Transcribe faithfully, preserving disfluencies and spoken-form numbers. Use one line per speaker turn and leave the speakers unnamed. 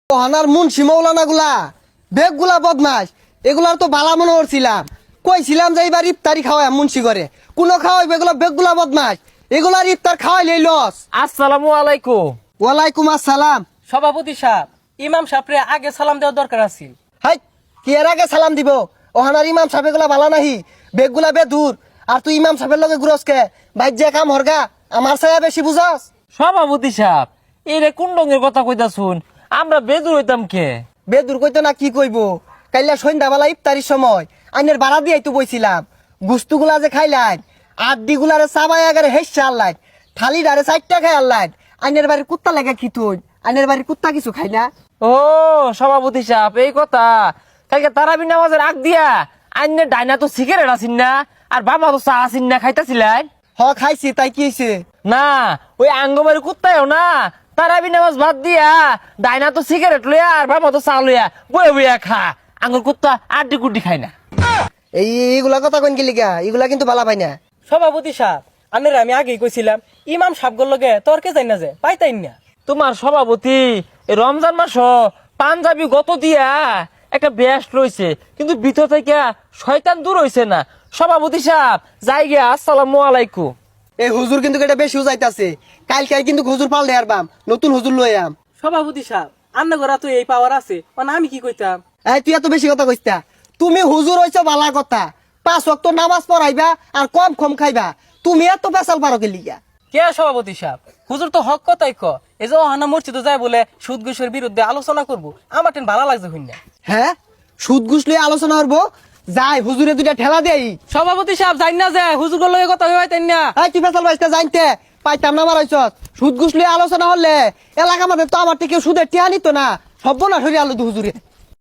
ওহানার মুন্সি মৌলানা গুলা বেগ গুলা বদমাস, এগুলার তো বালা মনে করছিলাম। কইছিলাম যে এইবার ইফতারি খাওয়াই মুন্সি করে, কোন খাওয়াই এগুলো বেগ গুলা বদমাস, এগুলার ইফতার খাওয়াইলেই লস।
আসসালামু আলাইকুম।
ওয়ালাইকুম আসসালাম।
সভাপতি সাহেব, ইমাম সাহেবরে আগে সালাম দেওয়া দরকার আছে।
হাই, কি এর আগে সালাম দিব? ওহানার ইমাম সাহেব এগুলা বালা নাহি, বেগ গুলা বে দূর। আর তুই ইমাম সাহেবের লগে গুরসকে বাইর যে কাম হরগা, আমার ছায়া বেশি বুঝাস।
সভাপতি সাহেব, এই রে কোন রঙের কথা কইতা শুন, আমরা বেদুর হইতাম কে?
বেদুর কইতো না কি কইব? কাইলা সন্ধ্যাবেলা ইফতারির সময় আইনের বাড়া দিয়ে তো বইছিলাম, গুস্তুগুলা যে খাইলাম, আড্ডি গুলারে চাবাই আগারে হেসছে আল্লাহ, থালি ডারে চারটা খাই আল্লাহ। আইনের বাড়ির কুত্তা লাগা কি তুই? আইনের বাড়ির কুত্তা কিছু খাই না?
ও সভাপতি সাহেব, এই কথা। কালকে তারাবি নামাজের আগ দিয়া আইনে ডাইনা তো সিগারেট আসিন না, আর বাবা তো চা আসিন না, খাইতাছিলেন?
হ খাইছি, তাই কি হয়েছে?
না, ওই আঙ্গবাড়ি কুত্তায়ও না তারাবি নামাজ বাদ দিয়া ডাইনা তো সিগারেট লইয়া আর বাবা তো চা লইয়া বয়ে বইয়া খা। আঙ্গুর কুত্তা আড্ডি কুড্ডি খায় না।
এই এইগুলা কথা কইন গেলি গা, এগুলা কিন্তু বালা পাই না।
সভাপতি সাহেব, আনের আমি আগেই কইছিলাম ইমাম সাহেবগুলোর লগে তর্কে যাই না, যে পাইতাই না।
তোমার সভাপতি এই রমজান মাস পাঞ্জাবি গত দিয়া একটা বেস্ট রয়েছে, কিন্তু ভিতর থেকে শয়তান দূর হইছে না। সভাপতি সাহেব যাই গিয়া, আসসালামু আলাইকুম।
এই হুজুর কিন্তু এটা বেশি উজাইতাছে, কাল কাল কিন্তু হুজুর পাল্টে আর বাম, নতুন হুজুর লই আম।
সভাপতি সাহেব, আন্না ঘরা তো এই পাওয়ার আছে, মানে আমি কি কইতাম?
এই তুই এত বেশি কথা কইতা, তুমি হুজুর হইছো বালা কথা, পাঁচ ওয়াক্ত নামাজ পড়াইবা আর কম কম খাইবা, তুমি এত পেশাল পারো গেলি গা?
কে সভাপতি সাহেব, হুজুর তো হক কথাই ক। এই যে ওহানা মসজিদে যায় বলে সুদ ঘুষের বিরুদ্ধে আলোচনা করবো, আমার টেন ভালো লাগছে হইন না।
হ্যাঁ, সুদ ঘুষ লইয়া আলোচনা করবো, যাই হুজুরে দুইটা ঠেলা দেই।
সভাপতি সাহেব জানি না যে হুজুরগুলোর লগে কথা হইতাই না।
এই তুই পেশাল বাইসটা জানতে পাইতাম না মারাইছ। সুদ ঘুষ লইয়া আলোচনা হলে এলাকা আমাদের তো আমার থেকে সুদের টিয়া নিত না, সব না সরিয়ে আলো হুজুরে।